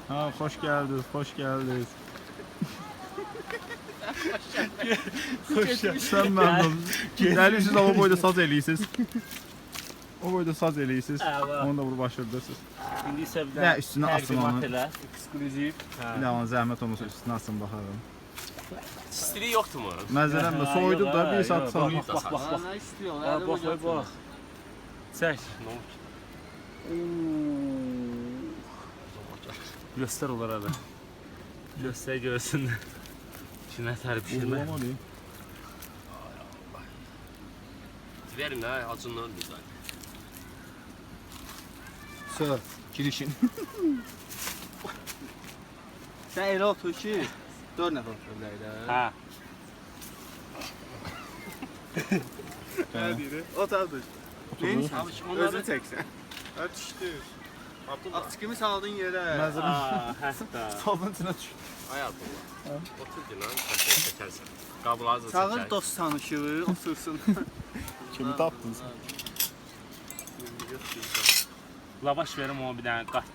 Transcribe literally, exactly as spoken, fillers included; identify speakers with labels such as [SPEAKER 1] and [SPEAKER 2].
[SPEAKER 1] Ha, hoş geldiniz, hoş geldiniz. Hoş geldiniz. Sen memnun. Gəlirsiniz, o boyda saz eləyirsiniz. O boyda saz eləyirsiniz. Onu da vurub başırdırsınız.
[SPEAKER 2] İndi isə bir
[SPEAKER 1] Və üstünə asın onu.
[SPEAKER 2] Ekskluziv.
[SPEAKER 1] Bir də onu zəhmət olmasa üstünə asın baxarım.
[SPEAKER 3] İstiliği yoktu mu?
[SPEAKER 1] Məzələm də soyudu da bir saat sonra.
[SPEAKER 2] Bax, bax, bax, bax.
[SPEAKER 4] Nə istiyor?
[SPEAKER 2] Bax, bax, bax, bax. Çək.
[SPEAKER 3] Ne oldu ki?
[SPEAKER 2] Göstər onlara da. Göstər görsünlər. Şimdi nətər pişirmə.
[SPEAKER 1] Uğurlama deyim.
[SPEAKER 3] Verin ha, acından ölmüyor.
[SPEAKER 1] Söz, girişin.
[SPEAKER 4] Sən elə otur ki, dörd nəfər otur bilərdə.
[SPEAKER 2] Hə.
[SPEAKER 4] Nə deyir? Otardır. Neyini sən?
[SPEAKER 3] Abi şimdi onları...
[SPEAKER 4] Özünü çəksən.
[SPEAKER 5] Hə düşdü.
[SPEAKER 4] At kimi saldın yerə.
[SPEAKER 1] Məzələm
[SPEAKER 2] Aa, hətta.
[SPEAKER 1] salın içinə düşdü.
[SPEAKER 3] Ay Abdullah. Otur dinan, sen çekersin. Kabloları da
[SPEAKER 4] Çağır
[SPEAKER 3] çeker.
[SPEAKER 4] dost tanışığı, otursun.
[SPEAKER 1] Kimi tapdınız?
[SPEAKER 2] Lavaş verim ona bir dənə qat